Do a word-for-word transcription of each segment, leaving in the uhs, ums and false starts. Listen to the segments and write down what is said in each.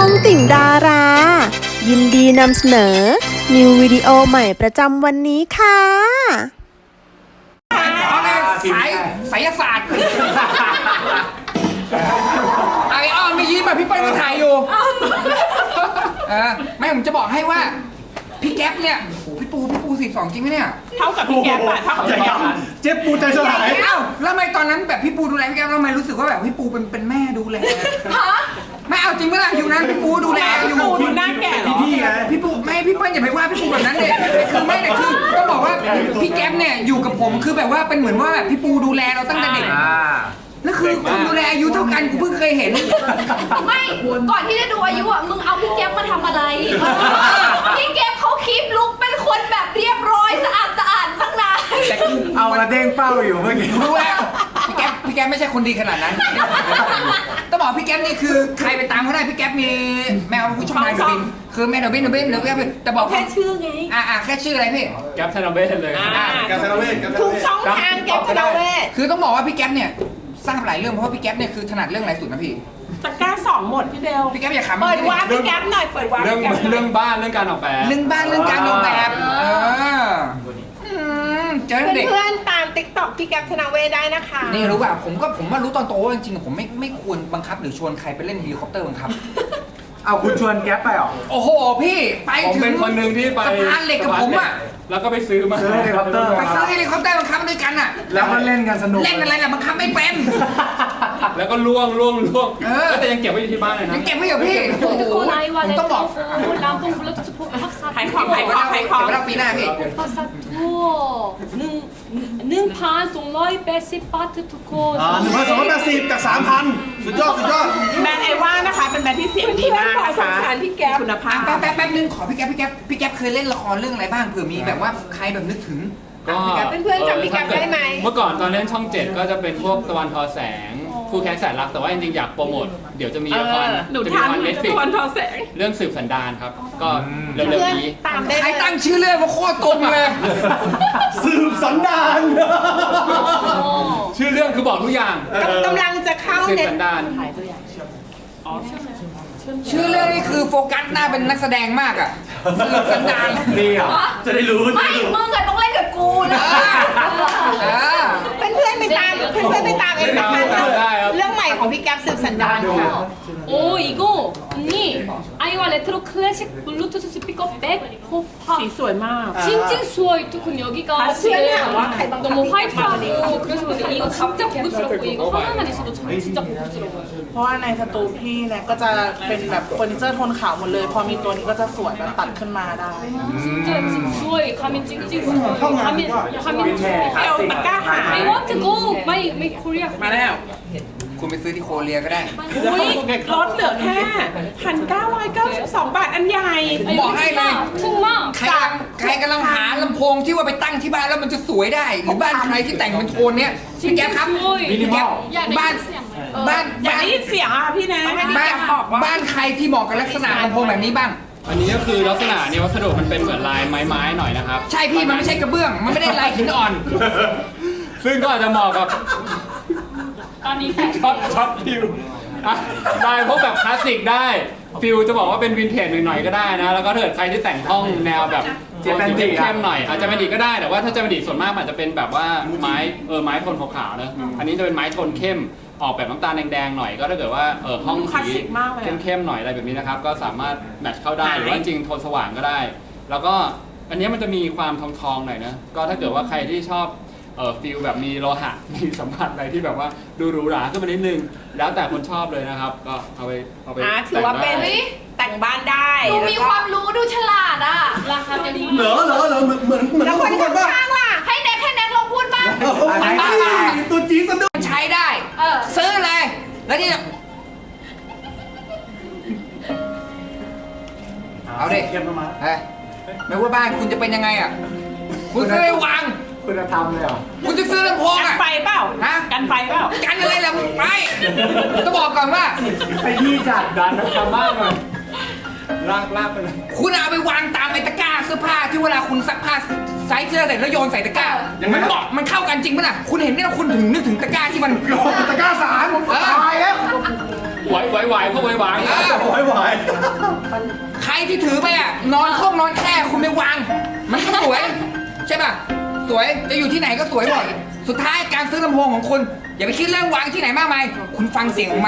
องติ่งดารา ยินดีนำเสนอ นิววิดีโอใหม่ประจำวันนี้ค่ะสายไสยศาสตร์ไอออนไม่ยิ้มอ่ะพี่เปิ้ลก็ถ่ายอยู่เออไม่ผมจะบอกให้ว่าพี่แก๊ปเนี่ยโอ้พี่ปูพี่ปูสี่สองจริงไหมเนี่ยเท่ากับพี่แก๊ปอะเท่ากับพี่แก๊ปอะเจ๊ปูใจสลายเอ้าแล้วทำไมตอนนั้นแบบพี่ปูดูแลพี่แก๊ปแล้วทำไมรู้สึกว่าแบบพี่ปูเป็นเป็นแม่ดูแลไม่เอาจริงเมื่อไหร่อยู่นั้นพี่ปูดูแลอยู่ปูดูหน้าแก่เหรอพี่ไงพี่ปูไม่พี่เปิ้ลอย่าไปว่าพี่ปูแบบนั้นเลยคือไม่เลยคือต้องบอกว่าพี่แก๊ปเนี่ยอยู่กับผมคือแบบว่าเป็นเหมือนว่าแบบพี่ปูดูแลเราตั้งแต่เด็กนั่นคือคนดูแลอายุเท่ากันกูเพิ่งเคยเห็นไม่ก่อนที่จะดูอายุอ่ะมึงเอาพี่แก๊ปมาทำอะไรพี่แก๊ปเขาคีปลุกเป็นคนแบบเรียบร้อยสะอาดสะอาดตั้งนานแต่กูเอาละเด้งเป้าอยู่เมื่อกี้รู้แล้วพี่แก๊ปพี่แก๊ปไม่ใช่คนดีขนาดนั้นต้องบอกพี่แก๊ปนี่คือใครไปตามเขาได้พี่แก๊ปมีแมวผู้ชมนายบินคือแม่เดบินเดบินเดบินแต่บอกแค่ชื่อไงอ่าแค่ชื่ออะไรพี่แก๊ปธนเวชเลยแก๊ปธนเวชทุกช่องทางแก๊ปธนเวชคือต้องบอกว่าพี่แก๊ปเนี่ยทราบหลายเรื่องเพราะว่าพี่แก๊ปเนี่ยคือถนัดเรื่องอะไรสุดนะพี่ตะกร้าสองหมดพี่เบลพี่แก๊ปอย่าขำเปิดวาร์ปพี่แก๊ปหน่อยเปิดวาร์ปเรื่องเรื่องบ้านเรื่องการออกแบบเรื่องบ้านเรื่องการออกแบบเออเจอเด็กเพื่อนๆตามติ๊กต็อกพี่แก๊ปธนเวชได้นะคะนี่รู้ป่ะผมก็ผมว่ารู้ตอนโตว่าจริงๆผมไม่ไม่ควรบังคับหรือชวนใครไปเล่นเฮลิคอปเตอร์บังคับเอาคุณชวนแก๊ปไปหรอโอ้โหพี่ไปถึงผมเป็นคนหนึ่งที่ไปสะพานเหล็กกับผมอ่ะแล้วก็ไปซื้อมาซื้อเฮลิคอปเตอร์ไปซื้อเฮลิคอปเตอร์บังคับด้วยกันอ่ะแล้วก็เล่นกันสนุกเล่นอะไรล่ะบังคับไม่เป็นแล้วก็ล่วงล่วงล่วงแต่ยังเก็บไว้อยู่ที่บ้านเลยนะยังเก็บไว้อยู่พี่โอ้โหผมต้องบอกขายของขายของขายของเดี๋ยวเราปีหน้าพี่หนึ่งพันสองร้อยแปดสิบบาททุกคนอ่าหนึ่งพันสองร้อยแปดสิบจากสามพันสุดยอดสุดยอดแบรนด์ไอว่านะคะเป็นแบรนด์ที่เสียงดีมากนะคะคุณภาพแป๊บแป๊บแป๊บนึงขอพี่แก๊ปพี่แก๊ปพี่แก๊ปเคยเล่นละครเรื่องอะไรบ้างเผื่อมีแบบว่าใครแบบนึกถึงก็เพื่อนๆจำพี่แก๊ปได้ไหมเมื่อก่อนตอนเล่นช่องเจ็ดก็จะเป็นพวกตะวันทอแสงคู่แข่งแสนรักแต่ว่าจริงๆอยากโปรโมทเดี๋ยวจะมีละครจะมีละครเน็ตฟลิกเรื่องสืบสันดานครับก็เร็วๆนี้ใครตั้งชื่อเรื่องว่าโคตรกลมเลยสืบสันดานชื่อเรื่องคือบอกทุกอย่างกำลังจะเข้าสืบสันดานชื่อเรื่องนี่คือโฟกัสหน้าเป็นนักแสดงมากอ่ะสืบสันดานดีอ่ะจะได้รู้ไม่มึงอะต้องเล่นกับกูนะเพื่อนเพื่อนไปตามเพื่อนเพื่อนไปตามเองนะคะเรื่องใหม่ของพี่แก๊ปสืบสันดานค่ะโอ้이거언니아이와레트로클래식블루투스스피커백호파 สีสวยมาก 찡찡수어이투콘여기가너무화이트하고 그래서 근데 이거 진짜 고급스럽고 이거 하나만 있어도 진짜 고급스러워요 เพราะว่าในสตูพี่เนี่ยก็จะเป็นแบบเฟอร์นิเจอร์โทนขาวหมดเลยพอมีตัวนี้ก็จะสวยแบบตัดขึ้นมาได้ 진짜수어이가민찡찡수어가민가민 เอลตะกร้าหา I want to go my my Korea มาแล้วคุณไปซื้อที่โคเรียก็ได้อุ้ยลดเหลือแค่พันเก้าร้อยเก้าสิบสองบาทอันใหญ่บอกให้เลยถูกมากใครใครกำลังหาลำโพงที่ว่าไปตั้งที่บ้านแล้วมันจะสวยได้หรือบ้านใครที่แต่งเป็นโทนเนี้ยพี่แก๊ปครับพี่แก๊ปบ้านบ้านอยากได้ยินเสียงอ่ะพี่นะบ้านบ้านใครที่เหมาะกับลักษณะลำโพงแบบนี้บ้างอันนี้ก็คือลักษณะเนี่ยวัสดุมันเป็นเหมือนลายไม้ๆหน่อยนะครับใช่พี่มันไม่ใช่กระเบื้องมันไม่ได้ลายหินอ่อนซึ่งก็อาจจะเหมาะกับตอนนี้ช็อตช็อตฟิวได้พวกแบบคลาสสิกได้ฟิลจะบอกว่าเป็นวินเทจหน่อยๆก็ได้นะแล้วก็ถ้าเกิดใครที่แต่งห้องแนวแบบเจแปนดิเข้มหน่อยอาจจะเป็นดีก็ได้แต่ว่าถ้าเจแปนดิส่วนมากอาจจะเป็นแบบว่าไม้เออไม้โทนขาวๆนะอันนี้จะเป็นไม้โทนเข้มออกแบบน้ำตาลแดงๆหน่อยก็ถ้าเกิดว่าเออห้องสีเข้มๆหน่อยอะไรแบบนี้นะครับก็สามารถแมทช์เข้าได้หรือว่าจริงโทนสว่างก็ได้แล้วก็อันนี้มันจะมีความทองๆหน่อยนะก็ถ้าเกิดว่าใครที่ชอบเออฟิลแบบมีโลหะมีสัมผัสอะไรที่แบบว่าดูหรูหราขึ้นมานิดนึงแล้วแต่คนชอบเลยนะครับก็เอาไปเอาไปถือว่าเป็นแต่งบ้านได้ดูมีความรู้ดูฉลาดอ่ะราคาเป็นเหรอเหรอเหรอเหมือนเหมือนเหมือนแล้วคนข้างๆล่ะให้แน็กให้แน็กลองพูดบ้างตัวจี๊ดสะดุ้งใช้ได้ซื้อเลยแล้วนี่เอาดิเข้มมาเฮ้ยไม่ว่าบ้านคุณจะเป็นยังไงอ่ะคุณจะได้วางคุณธรรมเลยเหรอคุณจะซื้อลำโพงอ่ะกันไฟเปล่าฮะกันไฟเปล่ากันอะไรล่ะไปต้องบอกก่อนว่าไปที่จัดดันทำมากเลยลากลากไปเลยคุณเอาไปวางตามไอ้ตะกร้าเสื้อผ้าที่เวลาคุณซักผ้าไซส์เสื้อเสร็จแล้วโยนใส่ตะกร้ามันเหมาะมันเข้ากันจริงไหมล่ะคุณเห็นเนี่ยคุณถึงนึกถึงตะกร้าที่มันตะกร้าสารผมตายแล้วไหวไหวไหวพวกไหวไหวอ่าไหวไหวใครที่ถือไปอ่ะนอนห้องนอนแค่คุณไปวาง มันก็สวย ใช่ป่ะ สวยจะอยู่ที่ไหนก็สวยหมดสุดท้ายการซื้อลำโพงของคุณ อย่าไปคิดเรื่องวางที่ไหนมากมายคุณฟังเสียงของมัน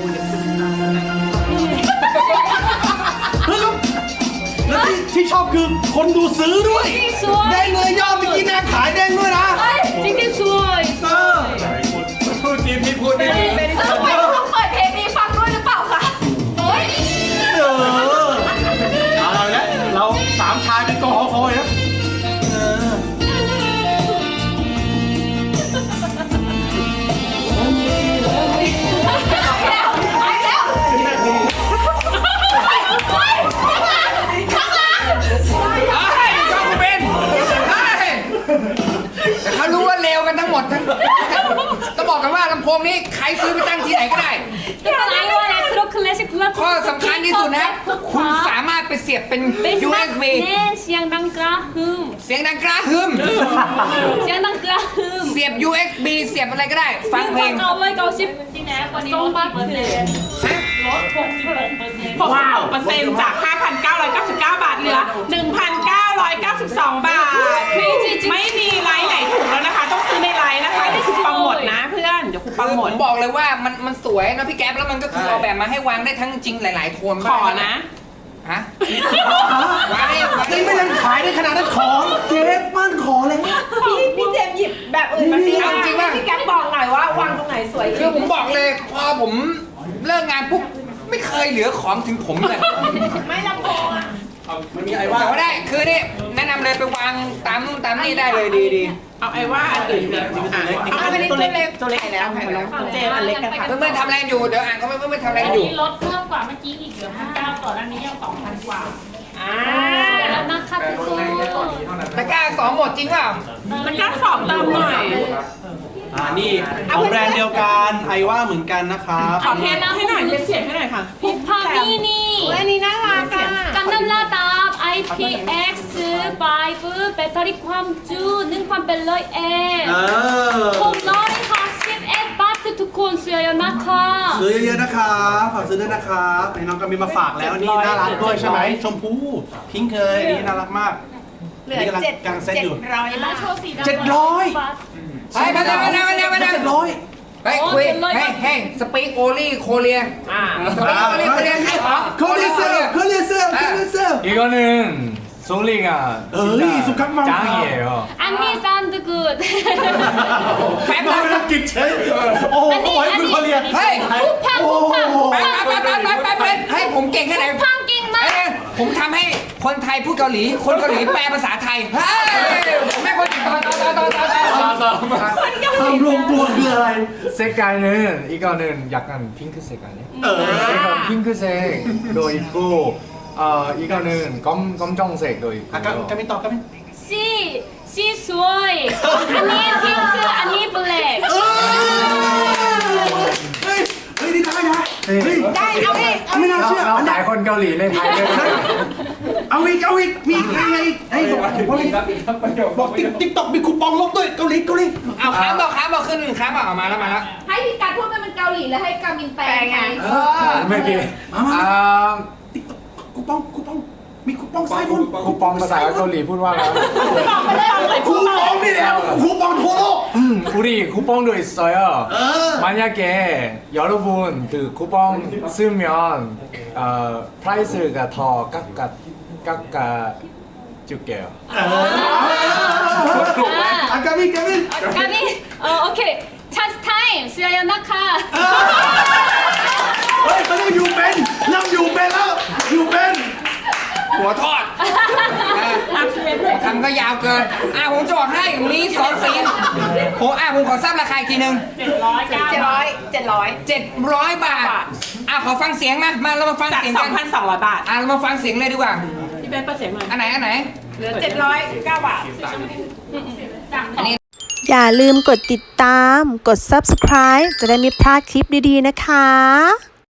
เฮ้ยแล้วที่ที่ชอบคือคนดูซื้อด้วยได้เงินยอดเมื่อกี้แม่ขายเด้งด้วยนะจริงๆสวยเออพูดจริงพี่พูดไม่ดีทำไมต้องเปิดเพลงนี้ฟังด้วยหรือเปล่าคะเฮ้ยเออเอาละเราสามชายเป็นกอคอยนะเออแล้วไปแล้วข้างหลังเฮ้ยชอบกูเป็นเฮ้ยแต่เขารู้ว่าเลวกันทั้งหมดทั้งต้องบอกกันว่าลำโพงนี้ใครซื้อไปตั้งที่ไหนก็ได้ไอวอลเลตโรคลาสสิก플랫폼 ข้อสำคัญที่สุดนะคุณสามารถไปเสียบเป็น ยู เอส บี 네เสียงดังกระหึ่มเสียงดังกระหึ่มเสียงดังกระหึ่มเสียบ ยู เอส บี เสียบอะไรก็ได้ ฟังเพลงเก้าร้อยเก้าสิบสองบาทเลยฮะลดหกสิบหกเปอร์เซ็นต์หกสิบหกเปอร์เซ็นต์จาก ห้าพันเก้าร้อยเก้าสิบเก้า บาทเหลือ หนึ่งพันเก้าร้อยเก้าสิบสอง บาท ไม่มีไลน์ไหนถูกแล้วนะคะ ต้องซื้อในไลน์นะคะเดี๋ยวคูปองหมดนะเพื่อน เดี๋ยวคูปคือองหมผดมบอกเลยว่ามันมันสวยนะพี่แก๊ปแล้วมันก็คือออกแบบมาให้วางได้ทั้งจริงหลายๆโทนขอนะฮะวางได้วางได้นี่ไม่ยังขายได้ขนาดนั้นของเจ๊ปั้นขอเลยพี่พี่เจมส์หยิบแบบอื่นมาสิเอาจริงป่ะพี่แก๊ปบอกหน่อยว่าวางตรงไหนสวยคือผมบอกเลยพอผมเลิกงานปุ๊บไม่เคยเหลือของถึงผมเลยไม่ลำโพงอ่ะมันมีไอ้ว่าแต่ว่าได้คือนี่แนะนำเลยไปวางตามนู่นตามนี่ได้เลยดีดีเอาไอ้ว่าอันอื่นเนี่ยเอาอันนี้ตัวเล็กตัวเล็กแล้วค่ะน้องเจมส์อันเล็กกันค่ะเพื่อนๆทำอะไรอยู่เดี๋ยวอ่านเขาเพื่อนๆทำอะไรอยู่นี้ลดเพิ่มกว่าเมื่อกี้อีกเหลือพันเก้าต่อด้านนี้ยังสองพันกว่าอ่าแล้วนะคะทุกคนตะกร้าสองหมดจริงเปล่ามันกล้าสอบเติมหน่อยอ่านี่ของแบรนด์เดียวกันไอว่าเหมือนกันนะครับขอเทสให้หน่อยเทสเสียงให้หน่อยค่ะพุพามินี่อันนี้น่ารักอ่ะกันน้ำลาดาบ ไอ พี เอ็กซ์ ไฟว์ แบตเตอรี่ความจุหนึ่งพันเป็นร้อยเอ็มเออหกร้อยห้าสิบเอ็ดบาททุกคนซื้อเยอะนะคะซื้อเยอะๆนะครับฝากซื้อด้วยนะครับนี่น้องก็มีมาฝากแล้วนี่น่ารักด้วยใช่ไหมชมพูพิงค์เคยนี่น่ารักมากเหลือเจ็ดกำลังเซ็ตเจ็ดอยู่ร้อยแล้วบาทโชว์สีดำเจ็ดร้อยไปมาแล้วมาแล้วมาแล้วมาแล้วเจ็ดร้อยเฮ้ยคุยเฮ้ยเฮ้ยสปีกโอลี่โคเรียอ่าสปีกโอลี่โคเรียขายของโคเรียเซลโคเรียเซลโคเรียเซล 이거는 솔리가 어이, 진짜 숙한망. 짱이에요. อันนี้ sound good แป๊บน้องนึงไม่ต้องกินเชฟโอ้โหเขาไว้คุณโคเรียเฮ้ยพุพังพุพังไปไปไปไปไปไปให้ผมเก่งแค่ไหนพังเก่งมากเอ้ยผมทำให้คนไทยพูดเกาหลี คนเกาหลีแปลภาษาไทย เฮ้ยผมไม่คนต่อต่อต่อต่อต่อต่อทำรวมตัวคืออะไร 색깔은 이거는 약간 핑크색 아니야? เออ 이거 핑크색도 있고 어 이거는 검 검정색도 อ่ะก็ 있고요. ก็ไม่ตอบก็ไม่สีสีสวยอันนี้พิงค์อันนี้ black เออเฮ้ยเฮ้ยนี่ได้นะเฮ้ยได้เอาดิเอาไม่น่าเชื่อเราขายคนเกาหลีในไทยด้วยนะเอาอีกเอาอีกมีใครอีกไอ้บอกบอกติ๊กติ๊กต็อกมีคูปองลบด้วยเกาหลีเกาหลีเอาค้างบอกค้างบอกขึ้นหนึ่งค้างบอกออกมาแล้วมาแล้วให้พี่การพูดเป็นเกาหลีแล้วให้กามินแปลไงเออ maybe 아 ติ๊กต็อกคูปองคูปองมีคูปองไซบน 쿠팡ภาษาเกาหลีพูดว่าอะไรคูปองนี่แหละคูปองทั่วโลก 음, 우리 쿠팡도 있어요. 만약에 여러분 그 쿠팡 쓰면 어, 프라이스가 더 깎아 깎아 줄게요. อากามิกามิกามินเออโอเค chance time ซื้อเยอะนะคะเฮ้ยตอนนี้อยู่เป็นเริ่มอยู่เป็นแล้วอยู่เป็นหัวทอดคำก็ยาวเกิน อ่ะผมจะบอกให้มีสองสีผมอ่ะผมขอทราบราคาอีกทีหนึ่งเจ็ดร้อยเจ็ดร้อยเจ็ดร้อยบาท อ่ะขอฟังเสียงมา มาเรามาฟังจากเสียงสอกังนพันสองร้อยบาทอ่ะเรามาฟังเสียงเลยดีกว่าพี่เบนเปิดเสียงหน่อยอันไหนอันไหนเหลือเจ็ดร้อยเก้าบาทอันนี้อย่าลืมกดติดตาม กด subscribe จะได้ไม่พลาดคลิปดีๆนะคะ